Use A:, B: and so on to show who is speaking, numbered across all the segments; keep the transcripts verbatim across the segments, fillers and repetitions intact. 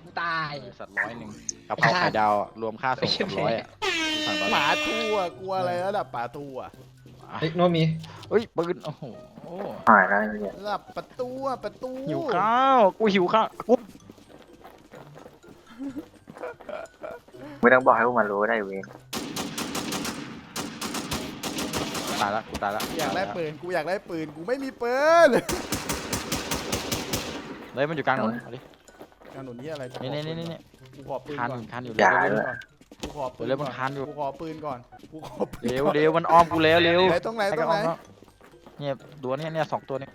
A: ตาย
B: สัตว์ร้อยหนึ่งกะเพราไข่ดาวรวมค่าส่งกับร้อยอ่ะสั่งตอน
C: ห
B: นี้
C: มาทั่วกลัวอะไรระดับป่าทั่ว
A: เฮ้ยโน้ตมี
B: เฮ้ยปืนโอ้โห
D: หายแล้วเนี่ย
C: ระดับประตูประตู
B: หิวข้าวกูหิวข้าวกู
D: ไม่ต้องบอกให้พวกมันรู้ได้เว้ย
B: ตายละกูตายละ
C: อยากได้ปืนกูอยากได้ปืนกูไม่มีปืน
B: เลยมันอยู่กลางถนนเอาดิ
C: การหนุนนี่อะไร
B: นี่นี่นี่นี่
C: กูขอปืน
B: คานอ
C: ก่อน
B: ยู่คานอยู่
D: อย่า
B: เร็ว
D: ด้วย
C: กูขอปืน
B: เร็ว
C: ก่
B: มัน
C: อน
B: คานอยู่
C: กูขอปืนก่อนกูขอปืน
B: เร็ว
C: ก่อน
B: เร็วมันอ้อมกูแล้วเร็ว
C: ไหนตรงไหนตรงไหน
B: อ้อ้อมเนี่ยตัวเนี้ยเนี่ยสองตัวเนี้ย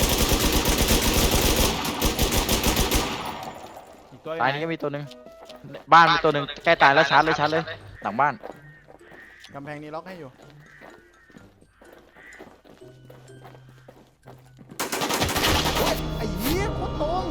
C: อีกตัว
B: ตายนี้ก็มีตัวหนึ่งบ้านมีตัวหนึ่งใกล้ตายแล้วชาร์จเลยชาร์จเลยหลังบ้าน
C: กำแพงนี้ล็อกให้อยู่โอ๊ยไอ้เหี้ยโคตรตรง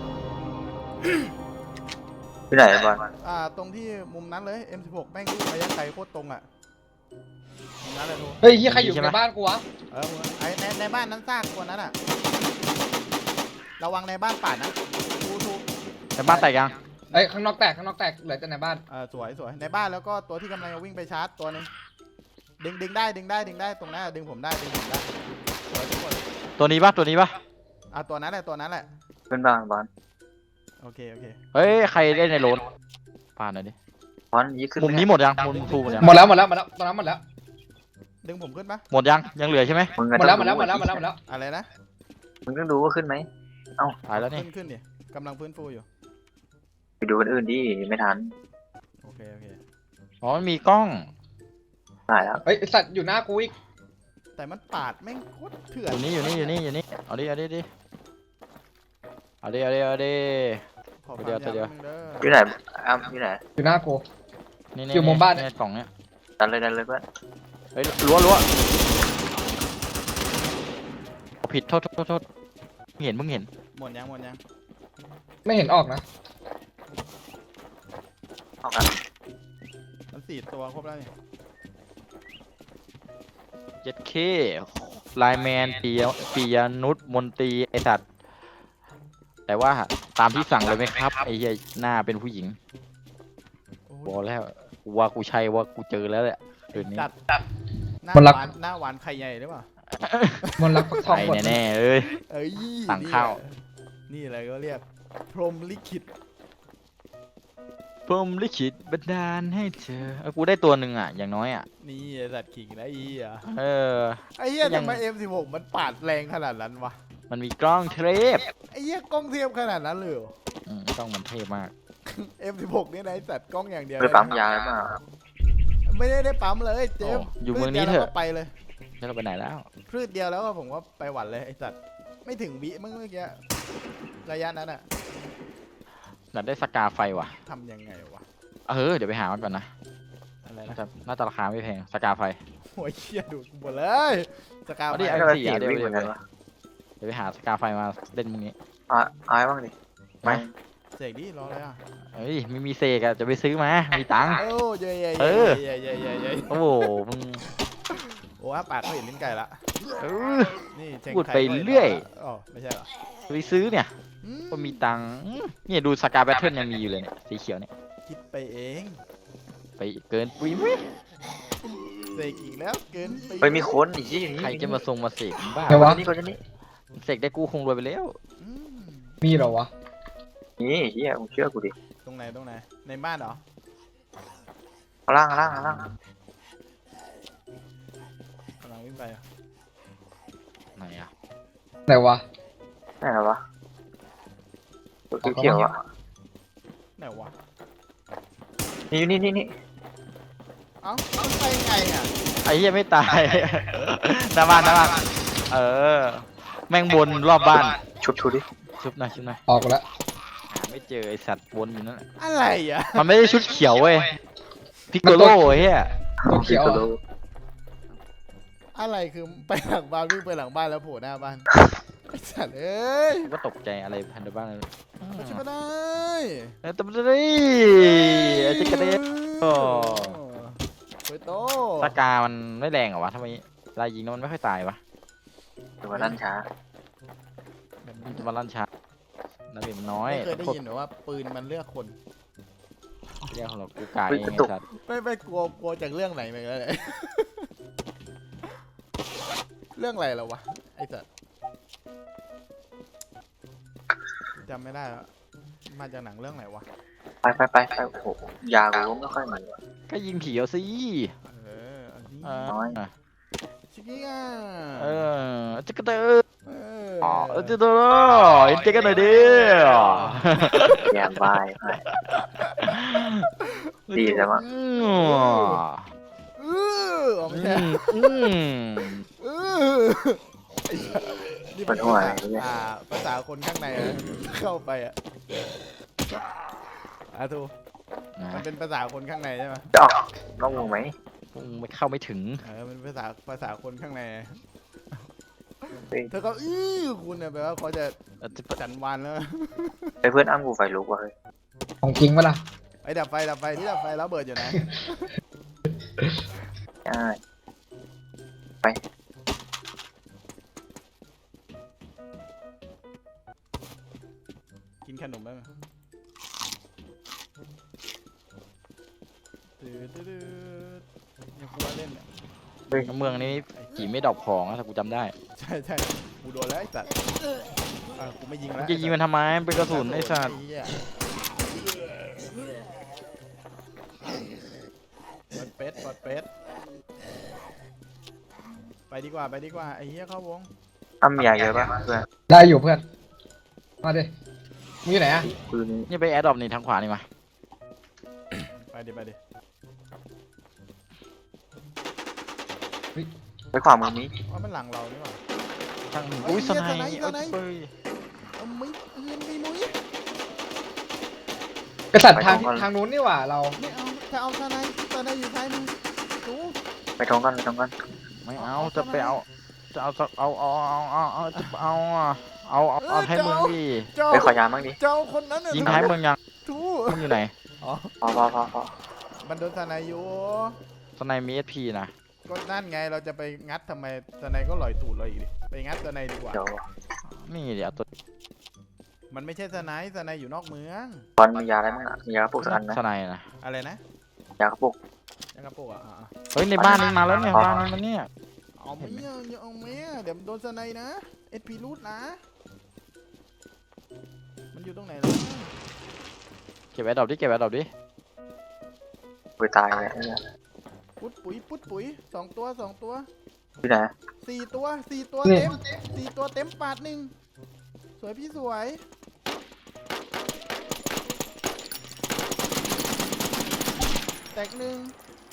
D: ที่ไหนบอล
C: อ่าตรงที่มุมนั้นเลย เอ็ม สิบหก แม่งลูกระยะไกลโคตรตรงอ่ะมุมนั้นเลยทู
A: เฮ้ยเฮียใครอยู่ในบ้านกูวะ
C: เออไอในในบ้านนั้นซากตัวนั้นอ่ะระวังในบ้านป่านะทูทู
B: แต่บ้านแตกยัง
A: เอ้ยข้างนอกแตกข้างนอกแตกเหลือแต่ในบ้าน
C: เออสวยสวยในบ้านแล้วก็ตัวที่กำลังจะวิ่งไปชาร์จตัวหนึงดึงดึงได้ดึงได้ดึงได้ตรงนั้นอะดึงผมได้ดึงผมได้สวยทุกคน
B: ตัวนี้ปะตัวนี้ปะ
C: อ่ะตัวนั้นแหละตัวนั้นแหละ
D: ขึ้นบ้างบอล
C: โอเคโอเค
B: เฮ้ยใครได้ในโรนผ่านหน่อยดิ
D: บอลยี่ขึ้น
B: มุมนี้หมดยังมุมทูหมดยัง
A: หมดแล้วหมดแล้วหมดแล้วตอนนั้นหมดแล้ว
C: ดึงผมขึ้นปะ
B: หมดยังยังเหลือใช่ไหม
D: มึง
A: หมดแล้วหมดแล้วหมดแล้วหมดแล้วหมดแล้ว
C: อะไรนะ
D: มึงต้องดูว่าขึ้นไหม
B: ตายแล้วนี่
C: ขึ้นขึ้นดิกำลังฟื้นฟูอยู่
D: ไปดูคนอื่นดิไม่ทัน
C: โอเคโอเค
B: อ๋อมันมีกล้อง
D: หายแล้ว
A: เฮ้ยไอ้สัตว์อยู่หน้ากูอีก
C: แต่มันปาดแม่งโคตรเถื่อ
B: อน ยู่นี่อยู่นี่อยู่นี่อยู่นี่เอาดิเอาดิดิเอาดิเอาดิเอาดิ
C: ขอ
B: เดี๋ยว
C: ความ
B: เดี๋ยว
C: ยาวนิดนึงเด้อ
D: ที่ไหนอ้ำที่ไหน
A: อยู่หน้ากู
B: นี่
A: อยู่มุมบ้านเนี่ย
B: เนี่ยกล่องเนี้ย
D: ดันเลยดันเลยเพื่อน
B: เฮ้ยรั้วรั้วผิดโทษโทษโทษโทษมึงเห็นมึงเห็น
C: หมดยังหมดยัง
A: ไม่เห็นออกนะ
D: ออกกัน
C: มันสี่ตัวครบแล้วนี่
B: เจ็ดเคไลน์แมนปียปียนุชมนตรีไอสัตว์แต่ว่าตามที่สั่งเลยไหมครับไอ้เหี้ยหน้าเป็นผู้หญิง
C: โอ้
B: บ
C: ย
B: อกแล้วว่ากูใช่ว่ากูเจอแล้วแหละเดือนนี้
C: จัดหน้าหวานหน้าหวานไข่ใหญ่หรือเปล่า
A: มนต์รักฟักทอง
B: ใช่
A: หมด
B: แน่ๆเอ้ย
C: เอ้ย
B: สั่งข้าว
C: นี่อะไรก็เรียกพรหมลิขิต
B: ผมลิขิตบันดาลให้เธอเออกูได้ตัวหนึ่งอ่ะอย่างน้อยอ่ะ
C: นี่ไอ้สัตว์ขิงนะอีอ่ะ
B: เออ
C: ไอ้เหี้ย
B: ยัง
C: ทำไม เอ็ม สิบหก มันปาดแรงขนาดนั้นวะ
B: มันมีกล้องเทรป
C: ไอ้เหี้ยกล้องเทียมขนาดนั้นเลยเหรอ
B: อืมกล้องมันเท่มาก
C: เอ็ม สิบหก นี่นะไอ้สัตว์กล้องอย่างเดียว
D: ไปปั๊มยาหรือเปล่า
C: ไม่ได้ได้ปั๊มเลยเจม
B: โอ้อยู่เมืองนี้เถอะ
C: พืชดียวแล้วก็ไปเลย
B: แล้วเราไปไหนแล้ว
C: พืชเดียวแล้วก็ผมก็ไปหวันเลยไอ้สัตว์ไม่ถึงวิเมื่อกี้ระยะนั้นอะ
B: อยากได้สกาไฟว่ะ
C: ทำยังไงวะ
B: เออเดี๋ยวไปหามันก่อนนะ
C: อะไร
B: น่า
C: นะ
B: จะน่าจะราคาไม่แพงสกาไฟ
C: โอ้ยเหี้ยดูดกูหมดเลยสกาว
B: เอาดิ
C: ไป
B: เอา
D: ก็
B: สี่
D: สี่
B: อ่ะเดี๋ยว
D: วิ่งเหมือนกันวะ
B: เดี๋ยวไปหาสกาไฟมาเล่นมึงนี้
D: อ่ะอายบ้างดิไม่
C: เสกดิรออะไรอ่ะ
B: เฮ้ยไม่มีเซกอะจะไปซื้อมามีตังค์
C: โอ้ยเย่เย่
B: เอ
C: เย่
B: อ
C: เย่เย่เย่เย่
B: โอ้โหมึง
C: โอ้ยปากเขาเห็นลิ้นไก่ละ
B: เออ
C: นี่เชง
B: พูด
C: ไท
B: ไป
C: ก็ห็น
B: เรื่อย
C: อ๋อไม่ใช่เหรอ
B: จะไปซื้อเนี่ย
C: อื
B: ก็มีตังค์อืมเนี่ยดูสกาแบทเทิลยังมีอยู่เลยเนี่ยสีเขียวเนี่ย
C: คิดไปเอง
B: ไปเกินปุ้ยมุ้ย
C: เสกอีกแล้วเกินไป
D: ไปมีคนอีกที่นี้
B: ใครจะมาทรงมาเสกบ้า
A: เดี๋ยววะ
D: นี่คนนี้
B: เสกได้กูคงรวยไปแล้ว
C: อืม
A: มีเหรอวะ
D: นี่เฮียมึงเชื่อกูดิ
C: ตรงไหนตรงไหนในบ้านเหรอ
D: ข้างล่างข้างล่างข้างล่าง
C: กำลังวิ่งไปอะ
B: ไหนอะ
A: ไหนวะ
D: ไหนเหรอวะตัวเขียวๆอ่ะ
C: ไหนวะ
D: นี่นี่นี่นี่
C: เอ้ามันไปไงอ่ะ
B: ไอ้เหี้ยไม่ตาย หน้าบ้านหน้าบ้านเออ แม่งวนรอบบ้าน
D: ชุบชุบดิ
B: ชุบหน่อยชุบหน่อย
A: ออกแล้ว
B: หาไม่เจอไอสัตว์วนอยู่นั่นแหละ
C: อะไรอ่ะ
B: มันไม่ได้ชุดเขียวเว้ยพิกโกโลไอ้เหี้ย
A: ตัวเขียว
D: โล
A: อะ
C: อะไรคือไปหลังบ้านวิ่งไปหลังบ้านแล้วโผล่หน้าบ้านไอ้สัตว์เอ้ย
B: ก็ตกใจอะไรพันธุ์บ้างเลย
C: ไม่ใช่ไม่ได้
B: เออตบเลยไอ้เจ๊กระเด็น โอ้
C: โอ้ยโต
B: สกามันไม่แรงเหรอวะทำไมเวลายิงแล้วมันไม่ค่อยตายวะ
D: ถือว่าลั่นช้า
B: มันจะมาลั่นช้าดาเมจมันน้อย
C: ไม่เคยได้
B: กด
C: ยินหรือว่าปืนมันเลือกคน
B: เรียกของเรากูกาย
D: เฮ้ย
B: ไง
D: กระตุก
B: สัตว์
C: ไม่ไม่กลัวกลัวจากเรื่องไหนไปแล้วเนี่ย เรื่องอะไรแล้ววะไอ้สัสจำไม่ได้แล้วมาจากหนังเรื่องไหนวะ
D: ไปไปไปไปโอ้โหยากูไม่ค่อยมีว่ะ
B: ก็ยิงผีเอาสิ
C: เอออันนี้
B: เออ
D: น้อย
C: ชิคกี้อ่ะ
B: เออจะกระเตอ
C: เอ
B: อ๋อ
C: อ
B: เออจะโดนเอ็นเจกันหน่อยดิ
D: แยมบายไปดีแต่ว่า
B: อืม
C: เอออ๋อไม่
B: อื
C: ใช่
B: มอืม
C: เออไอ้สัสนี่
D: ปวดหัว
C: ภา
D: อะไร
C: ษา
D: เนี่ย
C: อ่าภาษาคนข้างในอะเข้าไปอ่ะอาทู
B: นะ
C: มันเป็นภาษาคนข้างในใช่ไหม
D: จะออกน้องมึงไหม
B: มึงไม่เข้าไม่ถึง
C: เออมันภาษาภาษาคนข้างใน
D: เฮ้ย
C: เธอก็อื้อคุณเนี่ยแปลว่าเขาจะ
B: เออจะ
C: จันวันแล้ว
D: ไอ้เพื่อนอ้ำกูไฟลุกว่ะเฮ้ย
A: ของจริงปะล่ะ
C: ไอ้ดับไฟดับไฟที่ดับไฟแล้วเบิดอยู่นะ
D: ใช่
C: กินขนมได้ไหมตื้อตื้อตื้อยังกลัวเล่นอ่ะ
B: เมืองนี้ผีไม่ดรอปของนะถ้ากูจำได้
C: ใช่ใช่กูโดนแล้วไอ้สัตว์อ่ะกูไม่ยิง
B: มึ
C: แล้
B: ง
C: ว
B: จะยิงมันทำไมมันเป็นกระสุนไอ้สัตว์
C: เหี้ยปอดเป็ดปอดเป็ดไปดีกว่าไปดีกว่าไอ้เหี้ยเข้าวง
D: อ้ำมียาเยอะป่ะเพื่อน
A: ได้อยู่เพื่อน มาดิมึงอยู่ไหนอะ
D: ปืน
B: นี่ไปแอดดรอปนี่ทางขวานี่มา
C: ไปดิไปดิ
D: ไปขวามือนี้
C: ว่ามันหลังเรานี่หว่า
B: ทาง
C: เฮ้ย
B: อุ้ยสไน
C: เหี้ย
B: ป์
C: สไนป์
B: เอ้ย
C: เอาไม่เงินไม่มุ้ย
A: กษัตริย์ทางทางนู้นนี่หว่าเรา
C: ไม่เอาจะเอาสไนป์สไนป์อยู่ซ้ายมือดู
D: ไปตรงกันไปตรงกัน
B: ไม่เอาจะไปเอาจะเอาเอาเอาเอาเอาเอาจะเอาอะเอาเอาเอาท้ายเมืองดิ
C: เจ้า
D: ไปขอยาบ้างดิ
C: เจ้าคนนั้นน่ะ
B: ยิงท้ายเมืองยัง
C: ทู
B: มึงอยู่ไหน
C: อ๋อ
D: พอพอพอพอ
C: มันโดนสไนป์อยู่
B: สไนมีเอสพีนะ
C: ก็นั่นไงเราจะไปงัดทำไมสไนป์ก็ลอยตูดเราอีกดิไปงัดสไนป์ดีกว่า
D: เดี๋ยว
B: นี่เดี๋ยวตัว
C: มันไม่ใช่สไนป์สไนป์อยู่นอกเมือง
D: บอลมียาอะไรบ้างอ่ะมียากระปุกสักอันไหม
B: สไนนะ
C: อะไรนะ
D: ยากระปุก
C: ยังกระโปรงอ่ะอ่ะอ่ะ
B: เฮ้ยในบ้านนี้มาแล้วเนี่ยบ้านนี้มันเนี่ย
C: เอาไหมอ่ะอย่าเอาไหมอ่ะเดี๋ยวมันโดนสไนป์นะเอสพีรูดนะ มันอยู่ตรงไหนล่ะ
B: เก็บแอดดรอปดิเก็บแอดดรอปดิ
D: ไปตายเลยไอ้เนี่ย
C: ปุ๊ดปุ๋ยปุ๊ดปุ๋ยสองตัวสองตัว
D: ที่ไหน
C: สี่ตัวสี่ตัว
A: นี่
C: เต็มสี่ตัวเต็มปาดหนึ่งสวยพี่สวยแตกหนึ่ง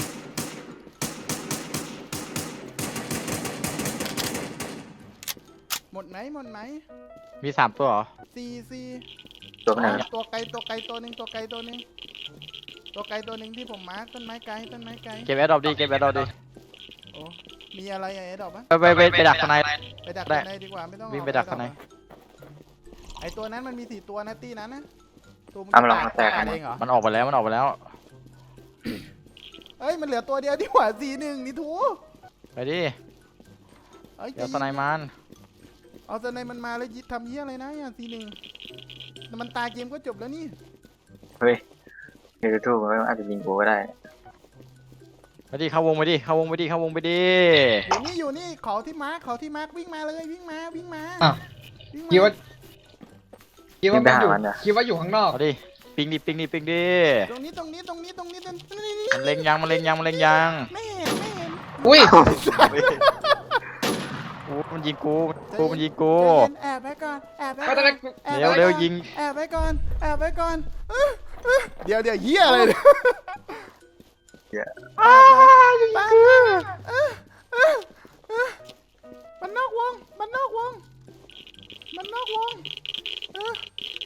C: หมดไหมหมดไหม
B: มีสามตัวเหรอ
C: สี่สี่
D: ตัวไหน
C: ตัวไกลตัวไกลตัวหนึ่งตัวไกลตัวหนึ่งตัวไกลตัวหนึ่งที่ผมมาร์คต้นไม้ไกลต้นไม้ไกล
B: เก็บแอดดรอปดิเก็บแอดดรอปดิ
C: โอ้มีอะไรอะไอ้ดอกปะ
B: ไปไปไปไปดักสไน
C: ไปดัก
B: ได้
C: ข้างในดีกว่าไม่ต้อง
B: วิ่ง
C: เอา
B: ไปดัก
C: อ้
B: ข้างใน
C: อะไอตัวนั้นมันมีสี่ตัวนะตี้นั้นนะตัวมึง
D: อ้ำลอง
C: ตาย
D: มาแตกกัน
C: เองเหรอ
B: มันออกไปแล้วมันออกไปแล้ว
C: เอ้ยมันเหลือตัวเดียวดีกว่าสี่หนึ่งนี่ทู
B: ไปดิ
C: เอ้ย
B: เดี๋ยวสไนมัน
C: เอาสไนมันมาแล้วยิทำเยี่ยอะไรนะอย่างสี่หนึ่งแต่มันตายเกมก็จบแล้วนี่
D: เฮ้ยเดี๋ยวทูบมันอาจจะยิงกูก็ได้
B: ไปดิเข้าวงไปดิเข้าวงไปดิเข้าวงไปดิ
C: อยู่นี่อยู่นี่เขาที่มาร์คเขาที่มาร์ควิ่งมาเลยวิ่งมาวิ่งมา
A: อ้าว
C: วิ่ง
A: คิดว่า
C: มา
A: คิดว่า
D: วิ่งไป
A: มันอยู่
D: หามันเหรอ
A: คิดว่าอยู่ข้างนอก
B: เอาดิปิงดิปิงดิปิงดิ
C: ตรงนี้ตรงนี้ตรงนี้ตรงนี้ตรงนี้นี่
B: มันเล็งยังมันเล็งยังมันเล็งยัง
C: ไม่เห็นไม่เห็น
A: อุ้ย
B: กูมันยิงกูกูมันยิงกู
C: ใจเย็นแอบไว้ก่อนแอบไว้
A: ก็
C: ก่
A: ต
C: อ
A: อน นแรก
C: แอบ
B: เร็ว
C: ไว้
B: เร็ว
C: ก่อน
B: ยิง
C: แอบไว้ก่อนแอบไว้ก่อนเอ้ยเอ้ยเดี๋ยวเดี๋ยวเหี้ยอะไรเนี่ย
B: อ้ายิง
C: ปัง
B: กู
C: เอ้ยเอ้ยเอ้ยมันนอกวงมันนอกวงมันนอกวงเอ้ย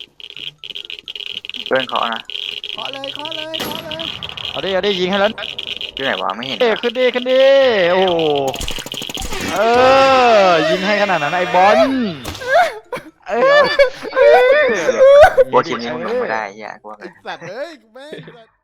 D: เพื่อนเขานะ
C: เคาะเลยเคาะเลยเคาะเลย
B: เอาดิเอาดิยิงให้แล้ว
D: ที่ไหนวะไม่เห็น
B: เอ้ยขึ้นดิขึ้นดิโอ้โหเออยิงให้ขนาดนั้นไอ้บอลเออ
D: โบทีมนี้มึงลงไม่ได้ไอ้เหี้ยกูว่าไง
C: ไอ้สัตว์เอ้ยแม่งสัตว์